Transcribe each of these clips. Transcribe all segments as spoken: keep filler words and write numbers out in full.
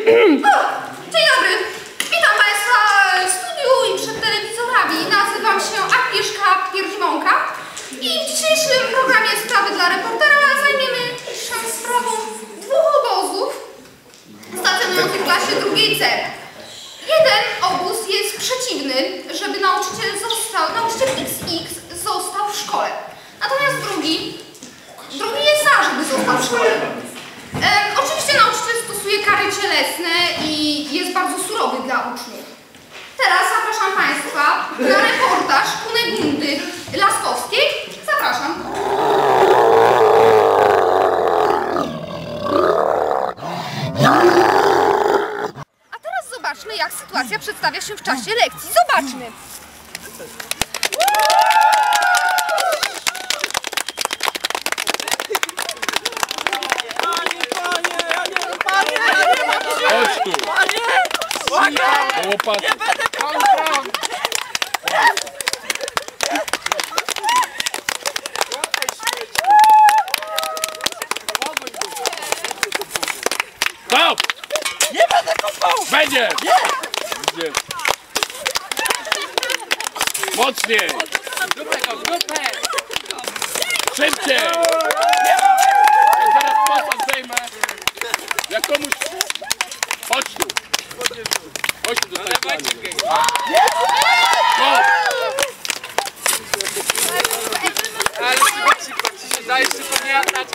Dzień dobry. Witam Państwa w studiu i przed telewizorami. Nazywam się Agnieszka Pierdziwąka i w dzisiejszym programie Sprawy dla reportera zajmiemy się sprawą dwóch obozów stacjonujących w klasie drugiej C. Jeden obóz jest przeciwny, żeby nauczyciel został, nauczyciel X X został w szkole. Natomiast drugi, drugi jest za, żeby został w szkole. E, oczywiście nauczyciel stosuje kary cielesne i jest bardzo surowy dla uczniów. Teraz zapraszam Państwa na reportaż Kunegundy Laskowskiej. Zapraszam. A teraz zobaczmy, jak sytuacja przedstawia się w czasie lekcji. Zobaczmy. Chodź tu! Panie! Łopat! Nie będę kopał! Stop! Nie będę kopał! Będzie! Nie! Będzie. Mocniej! Szybciej! Jak zaraz posad zejmę, jak komuś... Chodź tu! Chodź tu do tej pani! Stop! Ale ci się dajesz tylko nie atać.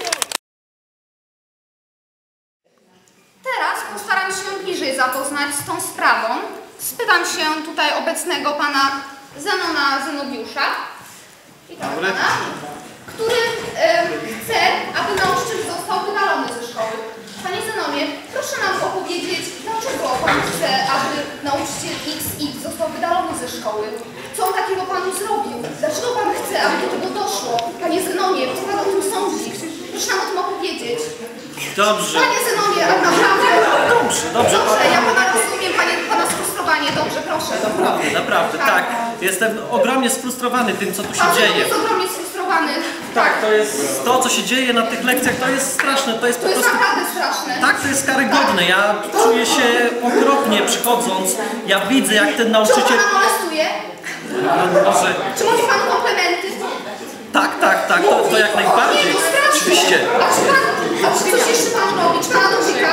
Teraz postaram się bliżej zapoznać z tą sprawą. Spytam się tutaj obecnego pana Zenona Zenobiusza, witam pana, który e, chce, aby nauczyciel został wydalony ze szkoły. Panie Zenonie, proszę nam opowiedzieć, dlaczego pan chce, aby nauczyciel X X został wydalony ze szkoły? Co on takiego panu zrobił? Dlaczego pan chce, aby do tego doszło? Panie Zenonie, co pan o tym sądzi? Proszę nam o tym opowiedzieć. Dobrze. Panie Zenonie, tak naprawdę. Dobrze, dobrze. Dobrze, ja pana rozumiem, panie, pana sfrustrowanie. Dobrze, proszę. Naprawdę, naprawdę, tak. tak. Jestem ogromnie sfrustrowany tym, co tu się Pan dzieje. jest ogromnie sfrustrowany. Tak, to jest to, co się dzieje na tych lekcjach, to jest straszne. To jest To po jest prostu... naprawdę straszne. Tak, to jest karygodne. Ja czuję się okropnie przychodząc. Ja widzę, jak ten Czy on nauczyciel... pana molestuje? Może... Czy mówi pan komplementy? Tak, tak, tak, to, to jak najbardziej. Nie, to straszne. Oczywiście. A czy pan, a czy coś jeszcze pan robi? Czy pana dotyka?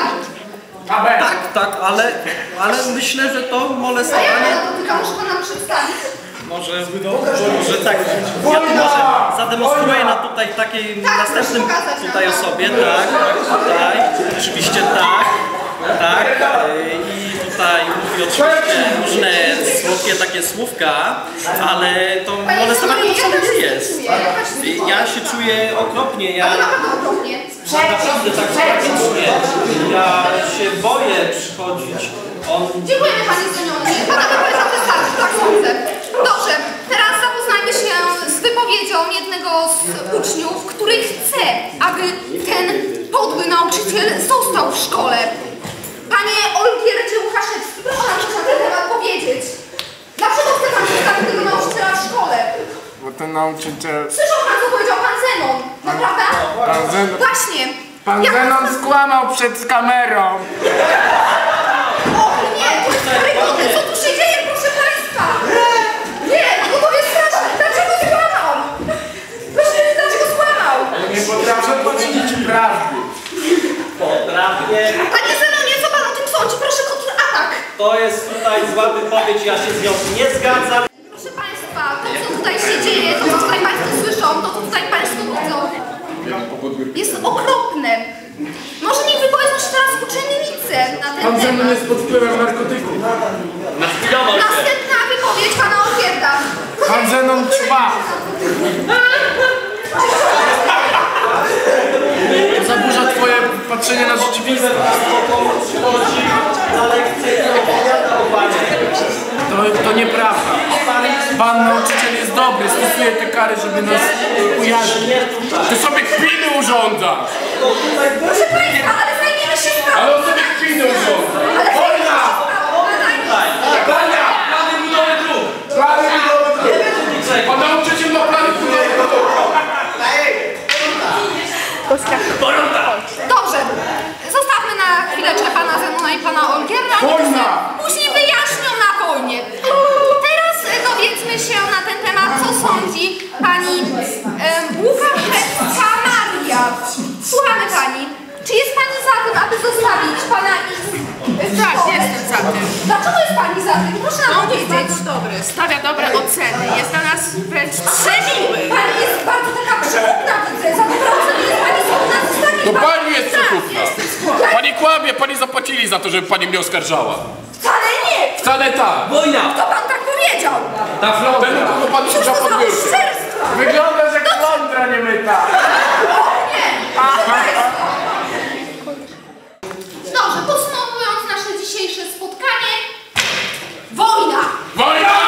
Tak, tak, ale, ale myślę, że to A jak molestowanie... pana dotyka? Może pan nam przedstawić? Może, może tak, ja tu może zademonstruję na tutaj takiej Tak, następnym proszę pokazać tutaj nam. osobie, tak, tak, tutaj, oczywiście tak, tak, i tutaj mówi oczywiście różne słodkie takie słówka, ale to Panie molestowanie Zenonie, to ja wcale też nie się jest. czuję, ja też się czuję. Ja się czuję okropnie, ja Ale naprawdę okropnie. naprawdę tak tragicznie, ja się boję przychodzić. On... Dziękujemy panie Zenonie. Pana wypowiedź nam wystarczy, tak sądzę. Dobrze, teraz zapoznajmy się z wypowiedzią jednego z uczniów, który chce, aby ten podły nauczyciel został w szkole. Panie Olgierdzie Łukaszewski, proszę nam coś na ten temat powiedzieć. Dlaczego chce pan zostawić tego nauczyciela w szkole? Bo ten nauczyciel... Słyszał pan, co powiedział pan Zenon, naprawdę? Pan Zenon... Właśnie. Pan Jak- Zenon skłamał przed kamerą. O nie, to jest karygodne, co tu się dzieje, proszę państwa? Nie, no to jest straszne. Dlaczego skłamał? Proszę powiedzieć, dlaczego skłamał? Nie potrafię powiedzieć prawdy. Potrafię. Panie Zenonie, co pan o tym sądzi? Proszę kontratak. To jest tutaj zła wypowiedź, ja się z nią nie zgadzam. Proszę państwa, to co tutaj się dzieje, to co tutaj państwo słyszą, to co tutaj państwo widzą, jest okropne. Może niech wypowiedzą się teraz uczennice na ten Pan Zenon temat. jest pod wpływem narkotyków. Nachwilował się. Następna wypowiedź pana Olgierda. Pan Zenon ćma. To zaburza twoje patrzenie na rzeczywistość. Chodzi na lekcję i opowiada o panie. To, to nieprawda. Pan nauczyciel jest dobry, stosuje te kary, żeby nas ujarzmić. Ty sobie kpiny urządzasz. Proszę państwa, ale zajmiemy się sprawą. Ale on sobie kpiny urządza. Wojna! Bania! Plany budowy dróg. Plany budowy dróg. Pan nauczyciel ma plany budowy dróg. Dobrze, zostawmy na chwileczkę pana Zenona i pana oni to Wojna! sobie później wyjaśnią na wojnie. Teraz e, dowiedzmy się na ten temat, co sądzi pani e, Łukaszewska Maria. Słuchamy pani. Czy jest pani za tym, aby zostawić pana X w Tak, szkole? jestem za tym. Dlaczego jest pani za tym? Proszę nam On jest powiedzieć. bardzo dobry, stawia dobre oceny, jest dla nas wręcz przemiły. Pani jest bardzo taka przykupna, widzę. Za dobre oceny jest pani skłonna zostawić. To pan- pani jest przykupna. Pani kłamie, pani zapłacili za to, żeby pani mnie oskarżała. Wcale nie! Wcale tak. Wojna! Kto pan tak powiedział? Ta flądra! Ten, kogo pan Cóż siedział to pod za biurkiem. oszczerstwa? Wyglądasz jak flądra niemyta. Dobrze, podsumowując nasze dzisiejsze spotkanie. Wojna! Wojna!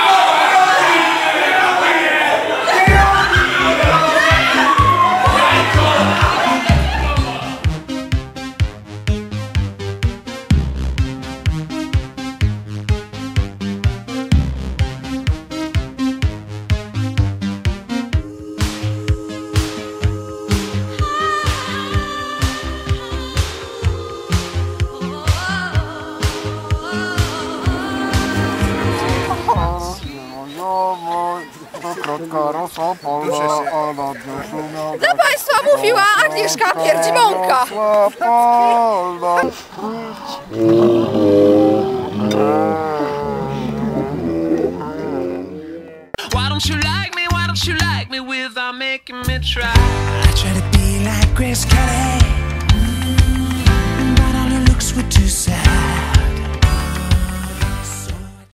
Dla państwa mówiła Agnieszka Pierdzimąka. Why don't you like me? Why don't you like me without making me try? I try to be like Grace Kelly, mm, but all her looks were too sad.